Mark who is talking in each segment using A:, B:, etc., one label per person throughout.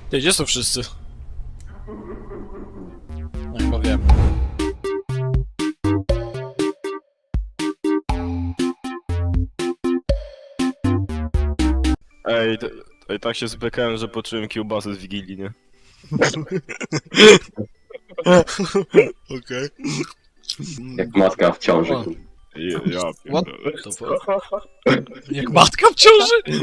A: Ty, gdzie są wszyscy? No chyba wiem.
B: Ej, tak się zbekałem, że poczułem kiełbasę z Wigilii, nie?
A: Okej.
C: Jak matka w ciąży.
A: O.
B: Ja
A: What
B: pierdolę.
A: the fuck? Jak matka w ciąży?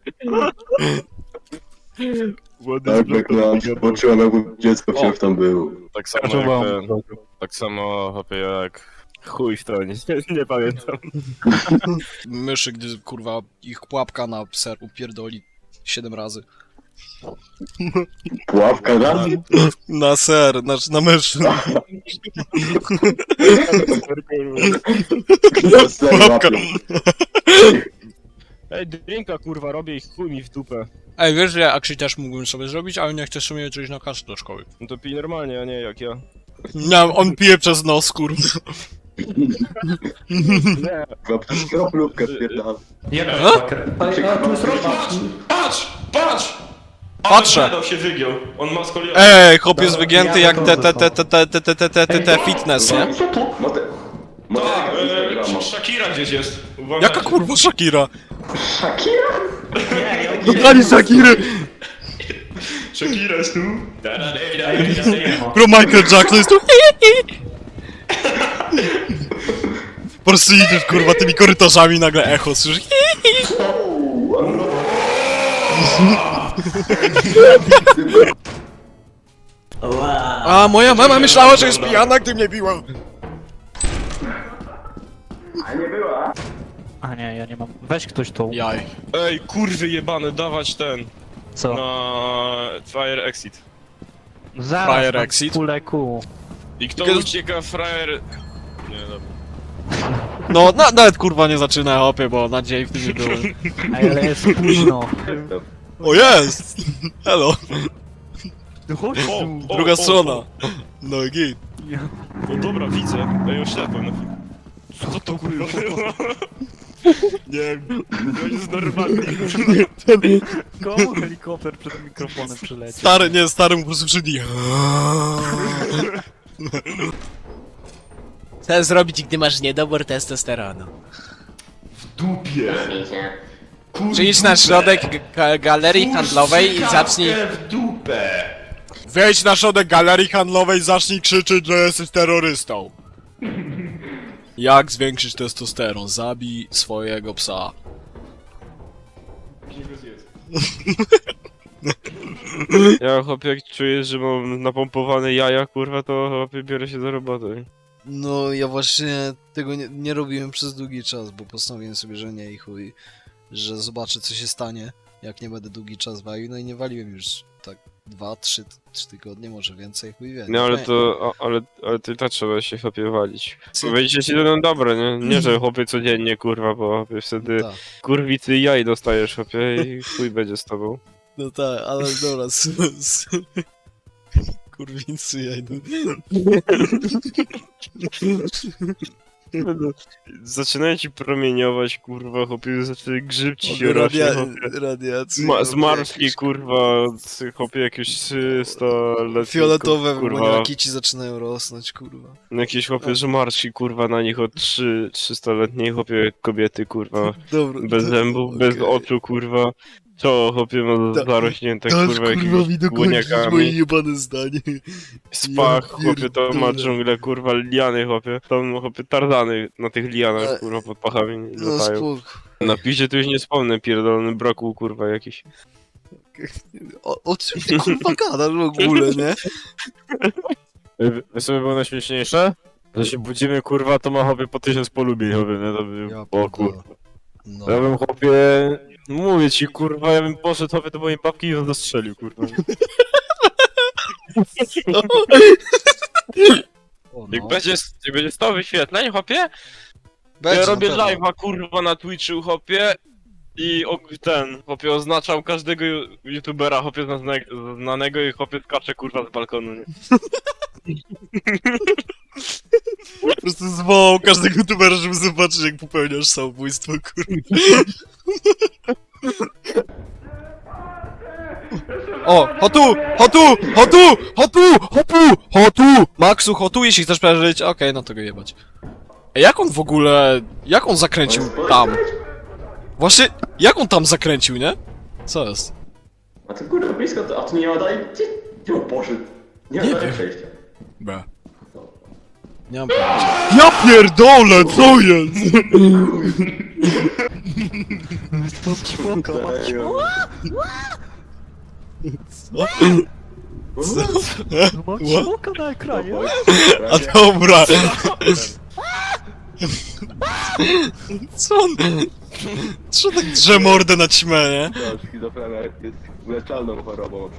C: Tak, jak poczułem, jakby dziecko wciąż tam było.
B: Tak samo jak ten, tak samo hopie jak chuj w to, nie pamiętam.
A: Myszy, gdy kurwa ich pułapka na ser upierdoli 7 razy.
C: Pułapka raz?
A: Na ser, znaczy na myszy.
C: Pułapka.
B: Ej, drinka kurwa robię i chuj mi w dupę.
A: Ej, wiesz, że ja actually też mógłbym sobie zrobić, ale nie chcę sobie coś na kasę do szkoły.
B: No to pij normalnie, a nie jak ja.
A: Nie, on pije przez nos, kurwa.
B: Nie.
C: Kroplówkę spierdala.
D: A tu jest rozpacz!
E: Patrz! Patrz!
A: Patrzę.
E: Ale się wygiął. On ma skoliozę.
A: Ej, chłop jest wygięty jak te fitness, nie?
E: Tak, Shakira gdzieś jest. Uważajcie.
A: Jaka kurwa Shakira?
C: Shakira?
A: Dodali Shakiry!
E: Shakira jest tu.
A: Bro, Michael Jackson jest tu. Po prostu idziesz kurwa tymi korytarzami, nagle echo słyszysz. A moja mama myślała, że jest pijana, gdy mnie biła.
D: A nie, ja nie mam. Weź ktoś tą.
A: Jaj.
B: Ej, kurwy jebane, dawać ten.
D: Co?
B: Na Fire Exit.
D: Zaraz
A: Fire
D: mam
A: exit?
D: kulę kół.
B: I kto
A: Tylko-
B: ucieka frajer... Nie, dobra.
A: No, nawet kurwa nie zaczyna hopie, bo nadziei w tym nie było.
D: Ale jest późno.
A: O jest! Hello,
D: No chodź tu.
A: druga strona. No i git.
B: No dobra, widzę. Ej, oślepłem na chwilę. Co to kurwa było? Nie wiem, to jest normalnie.
D: Komu helikopter przed mikrofonem przyleci?
A: Stary mu po prostu przydi. Co zrobić, gdy masz niedobór testosteronu?
E: Dupie.
A: Przyjdź na środek galerii handlowej i zacznij...
E: w dupę.
A: Wejdź na środek galerii handlowej i zacznij krzyczeć, że jesteś terrorystą. Jak zwiększyć testosteron? Zabij swojego psa.
B: Ja chłopie, jak czuję, że mam napompowane jaja, kurwa, to chłopie biorę się za robotę.
A: No, ja właśnie tego nie robiłem przez długi czas, bo postanowiłem sobie, że nie i chuj, że zobaczę co się stanie, jak nie będę długi czas walił, no i nie waliłem już tak 2-3 tygodnie, może więcej, chuj wie.
B: No ale to, ale ty tak trzeba się chłopie walić. Powiedzieć ci to dobre, nie? Nie, że chłopie codziennie, kurwa, bo chłopie wtedy
A: Tak,
B: kurwicy jaj dostajesz, chłopie, i chuj będzie z tobą.
A: no tak, ale dobra, kurwicy jajdu.
B: Zaczynają ci promieniować, kurwa, chłopie, zaczyna grzyb ci się rośnie, chłopie.
A: Radiacja.
B: Zmarszki, kurwa, chłopie, jakieś 300 lat.
A: Fioletowe
B: kurwa.
A: maniaki ci zaczynają rosnąć, kurwa.
B: Jakieś chłopie zmarszki, kurwa, na nich od 300-letniej chłopie kobiety, kurwa.
A: Dobra.
B: Bez zębów, bez oczu, kurwa. Co, chłopie, ma zarośnięte, kurwa, jakimiś
A: moje
B: głoniakami.
A: jebane zdanie.
B: Spach,
A: Ja
B: chłopie, to ma
A: pierdolę.
B: dżunglę, kurwa, liany, chłopie. Tam, chłopie, tarzany na tych lianach, kurwa, pod pachami
A: No
B: latają.
A: spoko.
B: Na piździe to już nie wspomnę, pierdolony brokuł, kurwa, jakiś.
A: O czym ty kurwa gadasz w ogóle, nie?
B: Wiesz, co by było najśmieszniejsze? Że się budzimy, kurwa, to ma chłopie po 1000 polubień, chłopie, nie? To by... O kurwa.
A: No.
B: Ja bym chłopie... Mówię ci, kurwa, ja bym poszedł chłopie do mojej babki i ją zastrzelił, kurwa.
A: O,
B: Jak
A: no.
B: będzie 100 wyświetleń, chłopie,
A: Będzie,
B: ja
A: na
B: robię
A: pewno.
B: live'a, kurwa, na Twitchu, chłopie. I chłopie, oznaczam każdego youtubera, chłopie, znanego i chłopie skacze, kurwa, z balkonu, nie?
A: Po prostu zwołał każdego youtubera, żeby zobaczyć jak popełniasz samobójstwo, kurwa. O, hotu! Maxu, hotu, jeśli chcesz przeżyć. Okej, no to go jebać. Ej, jak on w ogóle... Jak on zakręcił tam? Właśnie, jak on tam zakręcił, nie? Co jest?
C: A to kurwa blisko, a tu nie ma dalej... Gdzie on poszedł? Nie ma
A: Nie
C: dalej
A: wiem.
C: przejścia.
A: Be. Nie mam pojęcia. Ja pierdolę, co jest?
D: Mam smoka na ekranie.
A: A dobra. Co on... Co tak drze mordę na ćmę, nie?
C: Schizofrenia jest leczalną chorobą,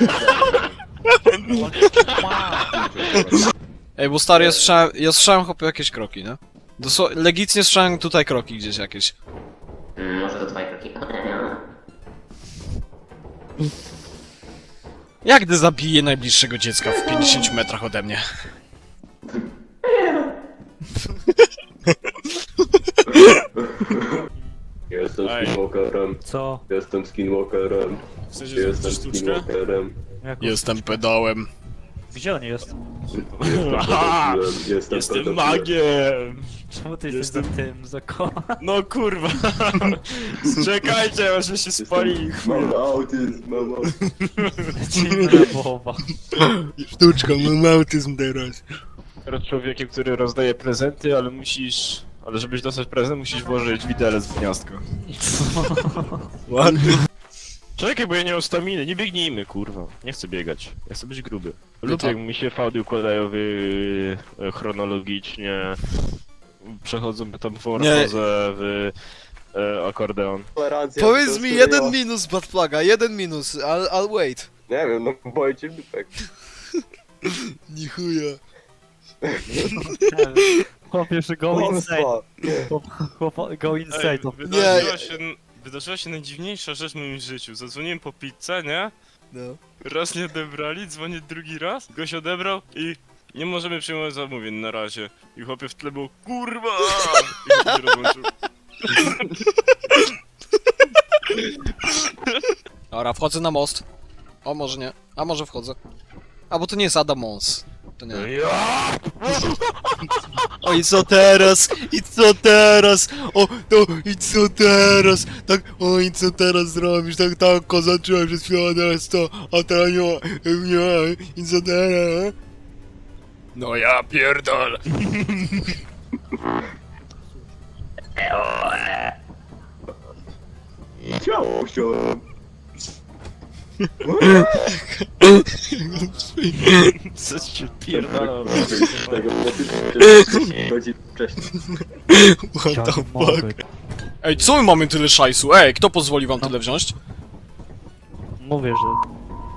A: Ej, bo stary, ja słyszałem chłopie jakieś kroki, nie? Legitnie słyszałem tutaj kroki gdzieś jakieś.
C: Może to twoje kroki.
A: Jak gdy zabiję najbliższego dziecka w 50 metrach ode mnie?
C: Jestem
B: Ej.
C: skinwalkerem.
D: Co?
C: Jestem skinwalkerem.
B: W sensie
C: Jestem
B: sztuczkę?
C: skinwalkerem.
D: Jak...
A: Jestem pedałem.
D: Gdzie on jest?
B: Aha!
C: Jestem
B: Jestem
C: pedofilem.
B: magiem!
D: Czemu ty jesteś za tym zakochanym?
B: No kurwa! Czekajcie, aż się spali.
C: Mam autyzm, mam autyzm.
D: Dziwna mowa.
A: Sztuczka, mam autyzm teraz.
B: Teraz człowiekiem, który rozdaje prezenty, ale musisz... Ale żebyś dostać prezent, musisz włożyć widelec w gniazdko.
A: Ładnie.
B: Czekaj, bo ja nie mam staminy, nie biegnijmy, kurwa. Nie chcę biegać, ja chcę być gruby. Lubię
A: to-
B: jak mi się fałdy układają chronologicznie. Przechodzą metamorfozę w akordeon.
C: Tolerancja
A: Powiedz
C: to
A: mi
C: studio.
A: jeden minus, Batplaga, jeden minus, I'll wait.
C: Nie wiem, no boję cię dupek.
A: Ni chuja.
D: Chłopie, że go insane. Chłop, go insane. To...
B: Wydarzyła się najdziwniejsza rzecz w moim życiu. Zadzwoniłem po pizzę, nie?
A: No.
B: Raz nie odebrali, dzwonię drugi raz. Goś odebrał i nie możemy przyjmować zamówień na razie. I chłopie w tle był kurwa! I chłopie się rozłączył.
A: Dobra, wchodzę na most. O, może nie. A może wchodzę. A, bo to nie jest Adam Mons. To nie. O, i co teraz? I co teraz? O, to i co teraz? Tak, o, i co teraz zrobisz? Tak, kozaczyłem przez chwilę, teraz to, a teraz nie, i co teraz? No ja pierdolę.
C: Ciało chciałem.
B: Co ci pierdolą?
C: Tego godzin wcześniej.
A: What the fuck? Ej, co my mamy tyle szajsu? Ej, kto pozwoli wam tyle wziąć?
D: Mówię, że...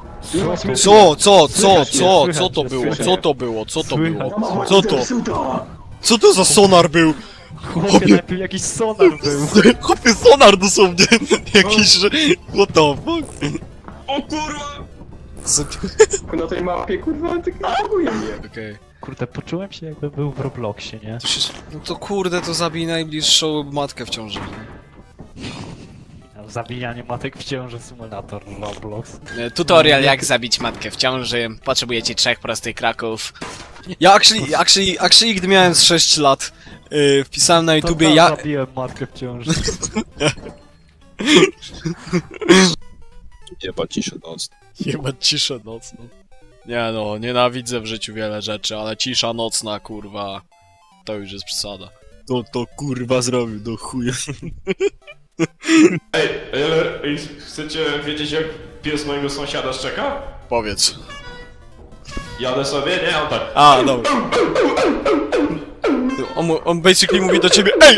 A: Co to było? Co to było? Co to było? Co to?
C: Suda!
A: Co to za sonar był?
D: Chłopie, najpierw jakiś sonar był.
A: Chłopie, sonar dosłownie. Jakiś, że... What the fuck?
B: O kurwa!
A: Co...
C: Na tej mapie, kurwa, tak reaguje mnie.
A: Okej.
D: Kurde, poczułem się jakbym był w Robloxie, nie?
A: To się... No to kurde, to zabij najbliższą matkę w ciąży.
D: Zabijanie matek w ciąży, symulator Roblox.
A: Tutorial jak zabić matkę w ciąży. Potrzebujecie 3 prostych kraków. Ja actually gdy miałem z 6 lat, wpisałem na YouTubie
D: to
A: ja...
D: zabiłem matkę w ciąży.
F: Jebać ciszę nocną.
A: Jebać ciszę nocną. Nie no, nienawidzę w życiu wiele rzeczy, ale cisza nocna, kurwa, to już jest przesada.
F: To kurwa zrobił do chuja.
B: Ej, chcecie wiedzieć jak pies mojego sąsiada szczeka?
A: Powiedz.
B: Jadę sobie, nie? On tak.
A: A, dobra. On basically mówi do ciebie ej!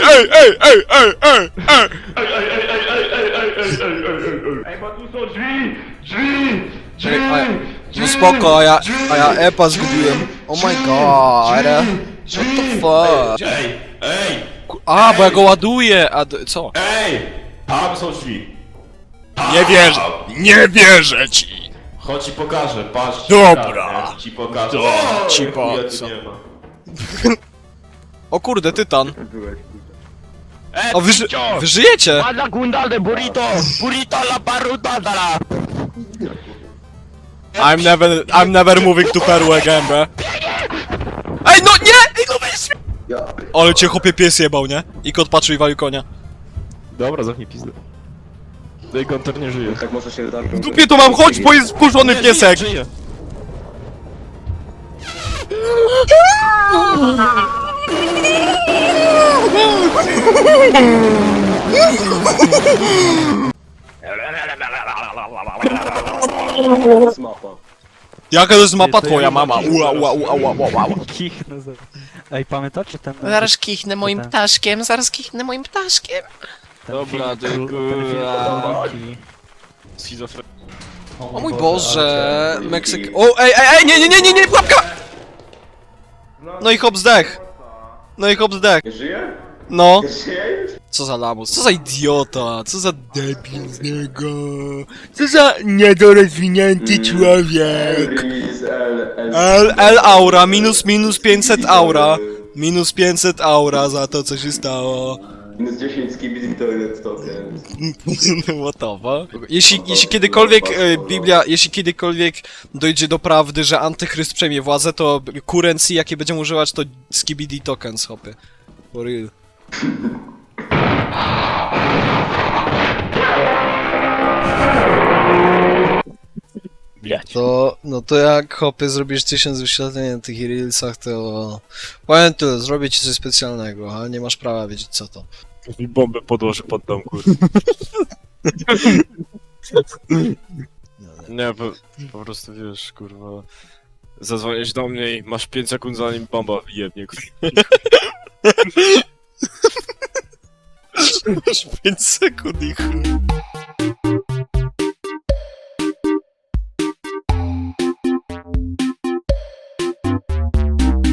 B: Ej, bo tu są drzwi! Drzwi!
A: No spoko, a ja epa zgubiłem. Oh my god. What the fuck?
B: Ej!
A: A, bo ja go ładuję, co?
B: Ej! Tam są drzwi.
A: Nie wierzę ci!
B: Chodź ci pokażę, patrz.
A: Dobra.
B: Ci pokażę.
A: Dobra, ci
B: chuja
A: po-
B: tu
A: co?
B: nie ma.
A: O kurde, tytan.
C: Byłeś,
A: O, wy żyjecie!
F: I'm never moving to Peru again, bro. Ej, no nie! Ej, no weź mnie!
C: Ja
F: Ale cię chłopie pies jebał, nie? I kot patrzył i walił konia.
B: Dobra, zamknij pizdę. Tej Gunter nie żyje.
C: tak może się zacząć.
F: W dupie to mam, chodź, bo jest wkurzony piesek!
B: Żyje.
C: Mapa.
F: Jaka to jest mapa
D: to
F: twoja
D: ja
F: mama? Ua, ua, ua, ua, ua, ua.
D: Kichnę za... Ej, pamiętacie ten...
G: Zaraz kichnę moim
D: ten-
G: ptaszkiem, zaraz kichnę moim ptaszkiem.
D: ten
B: Dobra,
D: film,
B: ty
D: ten film
B: kurwa.
D: Króliki?
B: Schizofrenia.
A: O mój Boże,
C: ale-
A: Meksyk... O, ej, nie, pułapka! No i hop zdech. No i hop zdech.
C: Nie żyje?
A: No.
C: Nie żyje już?
A: Co za lamus, co za idiota, co za debil z niego. Co za niedorozwinięty człowiek.
C: Release
A: L aura, minus 500 aura. Minus 500 aura za to, co się stało.
C: Minus 10 skibidi to jest to,
A: What the fuck? Jeśli kiedykolwiek jeśli kiedykolwiek dojdzie do prawdy, że antychryst przejmie władzę, to currency, jakie będziemy używać, to skibidi tokens, hopy. For real. To, no to jak hopy zrobisz 1000 wyświetleń na tych reelsach, to powiem tu, zrobię ci coś specjalnego, a nie masz prawa wiedzieć co to.
F: Mi bombę podłoży pod dom, kurwa.
B: Nie, po prostu wiesz, kurwa. Zadzwonisz do mnie i masz 5 sekund zanim bomba jebnie, kurwa.
A: 5 sekund i chuj.